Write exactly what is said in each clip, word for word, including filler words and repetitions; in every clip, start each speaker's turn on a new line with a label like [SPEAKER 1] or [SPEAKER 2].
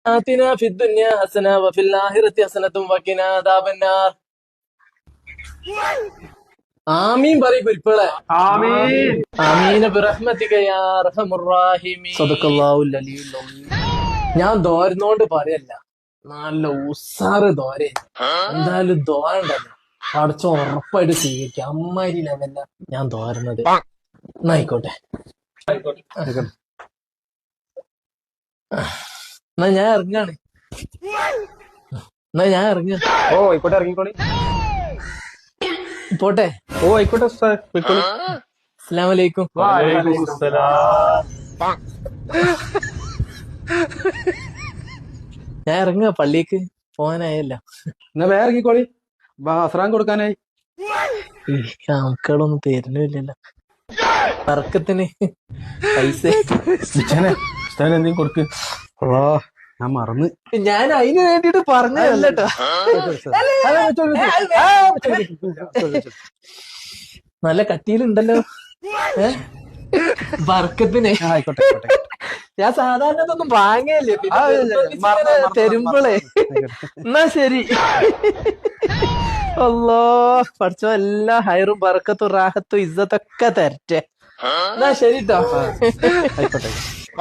[SPEAKER 1] ആതിനാ ഫിദ്ദുനിയ ഹസന വഫിൽ ആഖിറതി ഹസനത്തും വഖിനാ അദാബന്നാർ. ആമീൻ പറയ് കുരിപ്പുകളെ.
[SPEAKER 2] ആമീൻ.
[SPEAKER 1] ആമീന ബിറഹ്മതിക യാ അർഹമുർ റഹീമീൻ. സദഖല്ലാഹുൽ അലിയുൽ അലീം. ഞാൻ ദോരുന്നോണ്ട് പറയല്ല, നല്ല ഉസാറ് ദോരെ. എന്തായാലും ദോരണ്ടല്ലോ, പഠിച്ച ഉറപ്പായിട്ട് സ്വീകരിക്കാം. അമ്മാരി ലെവല്ല ഞാൻ ദോരുന്നത്. എന്നായിക്കോട്ടെ, എന്നാ ഞാൻ ഇറങ്ങാണ്. എന്നാ ഞാൻ ഇറങ്ങ.
[SPEAKER 2] ഓ ആയിക്കോട്ടെ, ഇറങ്ങിക്കോളി.
[SPEAKER 1] പോട്ടെ.
[SPEAKER 2] ഓ ആയിക്കോട്ടെ ഉസ്താദ്, പോയിക്കോളി.
[SPEAKER 1] അസ്സലാമു അലൈക്കും.
[SPEAKER 2] വഅലൈക്കും അസ്സലാം.
[SPEAKER 1] ഞാൻ ഇറങ്ങ, പള്ളിക്ക് പോകാനായല്ല.
[SPEAKER 2] എന്നാ വേറെ ഇറങ്ങിക്കോളി, അസ്റാൻ കൊടുക്കാനായി.
[SPEAKER 1] ഈ മക്കളൊന്നും തരുന്നില്ലല്ലോ തർക്കത്തിന് പൈസ.
[SPEAKER 2] എന്തെങ്കിലും കൊടുക്ക്. ഓ ഞാൻ മറന്ന്.
[SPEAKER 1] ഞാൻ അതിന് വേണ്ടിട്ട് പറഞ്ഞതല്ലോ. നല്ല കട്ടിയിലുണ്ടല്ലോ ബർക്കത്തിന്.
[SPEAKER 2] ആയിക്കോട്ടെ ആയിക്കോട്ടെ.
[SPEAKER 1] ഞാൻ സാധാരണ ഇതൊന്നും വാങ്ങയല്ലേ, തരുമ്പളേ. എന്നാ ശരി. അല്ലോ പഠിച്ചോ, എല്ലാ ഹൈറും ബർക്കത്തും റാഹത്തും ഇസ്സത്തൊക്കെ തരട്ടെ. എന്നാ ശരിട്ടോ.
[SPEAKER 2] ആയിക്കോട്ടെ.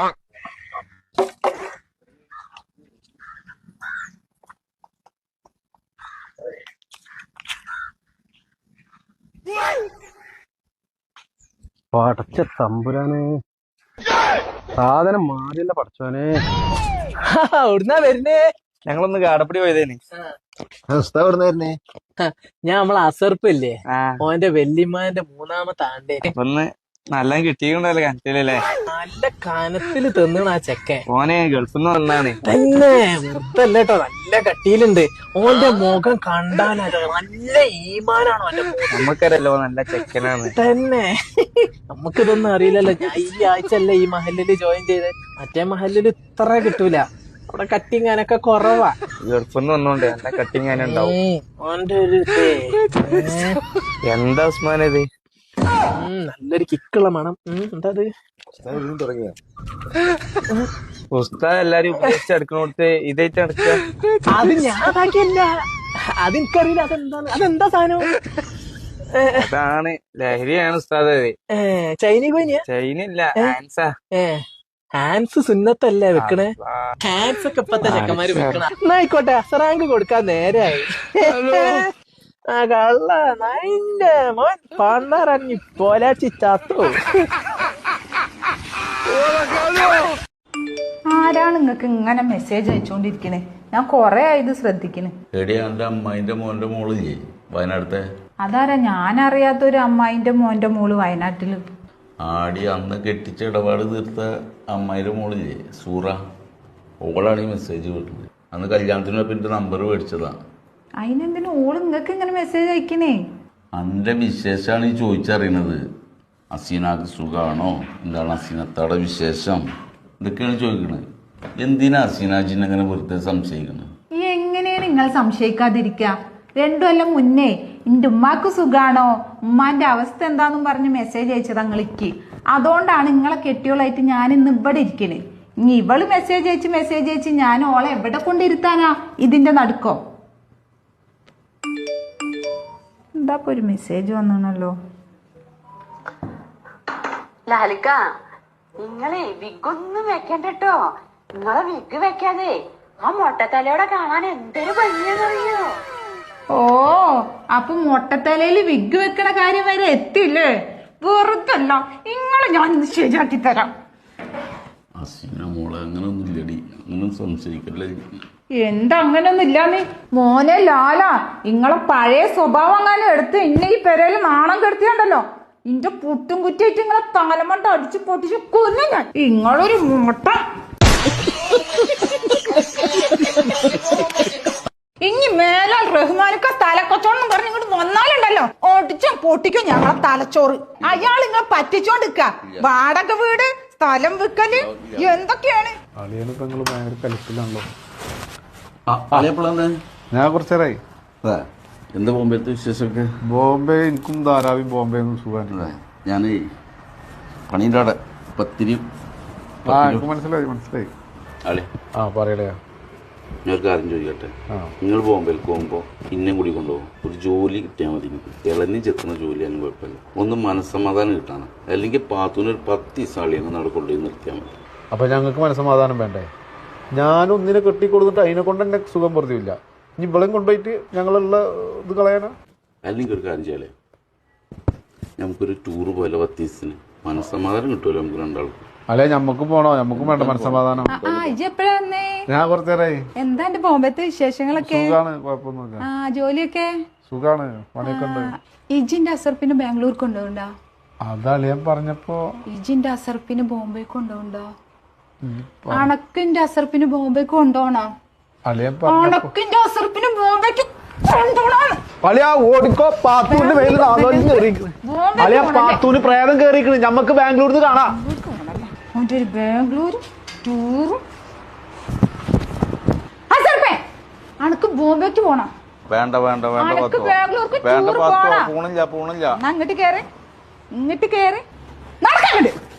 [SPEAKER 2] പടച്ച തമ്പുരാനെ, സാധനം മാറിയല്ല പടച്ചോനെ.
[SPEAKER 1] എവിടുന്നാ വരുന്നേ?
[SPEAKER 2] ഞങ്ങളൊന്ന് കാടപ്പടി പോയതേനെ.
[SPEAKER 3] വരുന്നേ
[SPEAKER 1] ഞാൻ നമ്മളെ അസർപ്പില്ലേ, ഓന്റെ വെല്ലിമാന്റെ മൂന്നാമത്തെ ആണ്ടേ.
[SPEAKER 2] ഒന്ന് നല്ല കിട്ടിയിട്ടുണ്ടല്ലോ കനത്തിലല്ലേ.
[SPEAKER 1] നല്ല കനത്തില് തിന്നണ ആ ചെക്കൻ.
[SPEAKER 2] ഓനെ ഗൾഫിൽ നിന്ന് വന്നാണ്.
[SPEAKER 1] തന്നെ വെറുതല്ലേട്ടോ, നല്ല കട്ടിയിലുണ്ട്. ഓന്റെ മുഖം കണ്ടാലോ നല്ല ഈമാനാണോ ഓന്റെ മുഖം.
[SPEAKER 2] നമുക്കറിയല്ലോ നല്ല ചെക്കനാണ്.
[SPEAKER 1] തന്നെ നമുക്കിതൊന്നും അറിയില്ലല്ലോ. ഞാൻ ഈ ആഴ്ച അല്ലേ ഈ മഹലില് ജോയിൻ ചെയ്ത്. മറ്റേ മഹലില് ഇത്ര കിട്ടൂല, അവിടെ കട്ടിങ്ങാനൊക്കെ കുറവാ.
[SPEAKER 2] ഗൾഫിൽ നിന്ന് വന്നോണ്ട് നല്ല കട്ടിങ്ങാനുണ്ടാവും.
[SPEAKER 1] ഓന്റെ ഒരു
[SPEAKER 2] എന്താ ഉസ്മാനത്,
[SPEAKER 1] നല്ലൊരു കിക്കുള്ള മണം. എന്താ
[SPEAKER 3] തുടങ്ങിയ
[SPEAKER 2] ഉസ്താദ് എല്ലാരും ഉപയോഗിച്ചെടുക്കണോടത്ത് ഇതായിട്ട് നടക്കുക.
[SPEAKER 1] അത് ഞാൻ അതാക്കിയല്ല, അതെനിക്കറിയില്ല. അതെന്താണ്, അതെന്താ സാധനം?
[SPEAKER 2] അതാണ് ലഹരിയാണ് ഉസ്താദ്.
[SPEAKER 1] ചൈന കോയിനിയാ?
[SPEAKER 2] ചൈനല്ല, ആൻസാ.
[SPEAKER 1] ഏ ഹാൻസ് സുന്നത്തല്ലേ വെക്കണേ? ഹാൻസ് ഒക്കെ ഇപ്പത്തെ ചെക്കന്മാര് വെക്കണ. എന്നായിക്കോട്ടെ, അസറാങ്ക് കൊടുക്കാൻ നേരായി. ആ കള്ള നൈന്റെ മോൻ പണ്ടറങ്ങി പോലാച്ചി ചത്തു.
[SPEAKER 4] ആരാണ് നിങ്ങക്ക് ഇങ്ങനെ മെസ്സേജ് അയച്ചുകൊണ്ടിരിക്കണേ? ഞാൻ കൊറേ ആയത് ശ്രദ്ധിക്കണേ.
[SPEAKER 5] എടിയാ എന്റെ അമ്മായിന്റെ മോന്റെ മോളില്ലേ വയനാട്ടിലെ?
[SPEAKER 4] അതാരാ ഞാൻ അറിയാത്തൊരു അമ്മായിന്റെ മോന്റെ മോള് വയനാട്ടില്?
[SPEAKER 5] ആടി അന്ന് കെട്ടിച്ച ഇടപാട് തീർത്ത അമ്മായിന്റെ മോളില്ലേ സൂറ, ഓളാണ് ഈ മെസ്സേജ് വിട്ടത്. അന്ന് കല്യാണത്തിന് പിന്നെ നമ്പർ മേടിച്ചതാ.
[SPEAKER 4] അതിനെന്തിനു ഓള് നിങ്ങക്ക് ഇങ്ങനെ മെസ്സേജ് അയക്കണേ?
[SPEAKER 5] അന്റെ വിശേഷമാണ് ഈ ചോദിച്ചറിയണത്. അസീനാക്ക് സുഖാണോ, എന്താണ് അസീനത്താടെ വിശേഷം, ഇതൊക്കെയാണ് ചോദിക്കണത്. എന്തിനാ അസീനാജിനെ അങ്ങനെ വെറുതെ സംശയിക്കണത്?
[SPEAKER 4] ഈ എങ്ങനെയാണ് നിങ്ങൾ സംശയിക്കാതിരിക്ക? രണ്ടു കൊല്ലം മുന്നേ എന്റെ ഉമ്മാക്ക് സുഖാണോ, ഉമ്മാന്റെ അവസ്ഥ എന്താന്നും പറഞ്ഞ് മെസ്സേജ് അയച്ചത് നിങ്ങൾക്ക്. അതുകൊണ്ടാണ് നിങ്ങളെ കെട്ടിയോളായിട്ട് ഞാൻ ഇന്ന് ഇവിടെ ഇരിക്കണേ. ഇനി ഇവള് മെസ്സേജ് അയച്ച് മെസ്സേജ് അയച്ച് ഞാൻ ഓളെ എവിടെ കൊണ്ടിരുത്താനാ ഇതിന്റെ നടുക്കോ? എന്താ ഒരു മെസ്സേജ് വന്നല്ലോ.
[SPEAKER 6] ലാലിക്ക, നിങ്ങളെ വിഗൊന്നും വെക്കണ്ടോ. നിങ്ങളെ വിഗ് വെക്കാതെ ആ മൊട്ടത്തലയോടെ കാണാൻ എന്തൊരു ഭംഗിയാണെന്നറിയോ?
[SPEAKER 4] ഓ, അപ്പൊ മൊട്ടത്തലയില് വിഗ് വെക്കണ കാര്യം വരെ എത്തില്ലേ? വെറുതല്ല, നിങ്ങളെ ഞാൻ ഇന്ന് ശരിയാക്കി തരാം.
[SPEAKER 5] അസീന മോളെ അങ്ങനെ ഒന്നും ഇല്ലടി, അങ്ങനെ സംശയിക്കല്ലേ.
[SPEAKER 4] എന്താ അങ്ങനൊന്നും ഇല്ലാന്ന്? മോനെ ലാല, നിങ്ങളെ പഴയ സ്വഭാവം അങ്ങനെ എടുത്ത് ഇന്നെ ഈ പെരയില് നാണം കെടുത്തിയുണ്ടല്ലോ. ഇന്റെ പുട്ടും കുറ്റിയായിട്ട് നിങ്ങളെ തലമണ്ട അടിച്ചു പൊട്ടിച്ച് കൊന്നു ഞാൻ. നിങ്ങളൊരു മുട്ട. ഇനി മേലാൽ റഹ്മാനൊക്കെ തലക്കൊച്ചോണെന്ന് പറഞ്ഞ് ഇങ്ങോട്ട് വന്നാലുണ്ടല്ലോ ഓടിച്ചും പൊട്ടിക്കും ഞങ്ങളെ തലച്ചോറ്. അയാൾ ഇങ്ങനെ പറ്റിച്ചോണ്ടിരിക്ക. വാടക വീട്, സ്ഥലം വിൽക്കല്, എന്തൊക്കെയാണ്?
[SPEAKER 2] അളിയനിപ്പോ നിങ്ങള് ഭയങ്കര കലിപ്പിലാണല്ലോ.
[SPEAKER 3] ഞാൻ കുറച്ചേരായി.
[SPEAKER 5] എന്താ ബോംബെത്തെ വിശേഷമൊക്കെ?
[SPEAKER 3] ബോംബെ എനിക്കും ധാരാവി ബോംബെ ഒന്നും സുഖമാണ്.
[SPEAKER 5] ഞാൻ പണീൻ്റെ അവിടെ പത്തിരി.
[SPEAKER 3] ആ എനിക്ക് മനസ്സിലായി മനസ്സിലായി.
[SPEAKER 5] അളി
[SPEAKER 3] ആ പറയടേ.
[SPEAKER 5] ഞാൻ ഒരു കാര്യം ചോദിക്കട്ടെ, നിങ്ങൾ ബോംബെയിലേക്ക് പോകുമ്പോൾ ഇന്നേം കൂടി കൊണ്ടുപോകും. ഒരു ജോലി കിട്ടിയാൽ മതി. എനിക്ക് ഇളഞ്ഞി ചെത്തുന്ന ജോലിയാലും കുഴപ്പമില്ല. ഒന്ന് മനസ്സമാധാനം കിട്ടാണ്. അല്ലെങ്കിൽ പാത്തൂന് ഒരു പത്ത് ദിവസം അങ്ങ് നട കൊണ്ടുപോയി നിർത്തിയാൽ മതി.
[SPEAKER 3] അപ്പൊ ഞങ്ങൾക്ക് മനസ്സമാധാനം വേണ്ടേ? ഞാനൊന്നിനെ കെട്ടിക്കൊടുത്തിട്ട് അതിനെ കൊണ്ട് എന്നെ സുഖം വെറുതെയില്ല. ഇനി ഇവളെയും കൊണ്ടുപോയിട്ട് ഞങ്ങളുള്ള ഇത് കളയാനാ?
[SPEAKER 5] അല്ലെങ്കിൽ ഒരു കാര്യം ചെയ്യാലേ, നമുക്കൊരു ടൂറ് പോലെ പത്ത് ദിവസത്തിന് മനസ്സമാധാനം കിട്ടുമല്ലോ നമുക്ക് രണ്ടാൾക്കും.
[SPEAKER 3] അല്ലെ ഞമ്മക്കും പോണോ? ഞമ്മക്കും വേണ്ട മനസ്സമാധാനം.
[SPEAKER 4] ആ ഇജ്ജ് എപ്പോഴാ വന്നേ?
[SPEAKER 3] ഞാൻ കുറച്ചേരായി.
[SPEAKER 4] എന്താ എന്റെ ബോംബത്തെ വിശേഷങ്ങളൊക്കെ?
[SPEAKER 3] സുഖാണ്, കുഴപ്പമൊന്നുമില്ല.
[SPEAKER 4] ആ ജോലിയൊക്കെ
[SPEAKER 3] സുഖാണ്, പണിയൊക്കെ ഉണ്ട്.
[SPEAKER 4] ഇജിന്റെ അസർപ്പിന് ബാംഗ്ലൂർ കൊണ്ടുപോകണ്ടോ?
[SPEAKER 3] അതളിയൻ പറഞ്ഞപ്പോ
[SPEAKER 4] ഇജിന്റെ അസർപ്പിന് ബോംബെ കൊണ്ടുപോകണ്ടോ? അണക്കിന്റെ അസർപ്പിന് ബോംബെക്ക് കൊണ്ടുപോകണോ?
[SPEAKER 3] അളിയൻ
[SPEAKER 4] അണക്കിന്റെ അസർപ്പിന് ബോംബെക്ക് കൊണ്ടുപോകണം.
[SPEAKER 3] അളിയാ ഓടിക്കോ, പാത്തൂന്റെ മേലിൽ അളിയാ പാത്തൂന് പ്രേതം കേറിക്കണ്. ഞമ്മക്ക് ബാംഗ്ലൂരിൽ നിന്ന് കാണാം.
[SPEAKER 4] ബാംഗ്ലൂർ ടൂറും അണക്ക് ബോംബെക്ക് പോണം.
[SPEAKER 2] വേണ്ട വേണ്ട വേണ്ട
[SPEAKER 4] അനക്ക്
[SPEAKER 2] പത്തോ
[SPEAKER 4] ബാംഗ്ലൂർക്ക്
[SPEAKER 2] വേണ്ട
[SPEAKER 4] ടൂറ്
[SPEAKER 2] പത്തോ
[SPEAKER 4] പോണം.
[SPEAKER 2] പോണില്ല പോണില്ല.
[SPEAKER 4] അങ്ങോട്ട് കേറി, ഇങ്ങോട്ട് കേറി നടക്കങ്ങോട്ട്.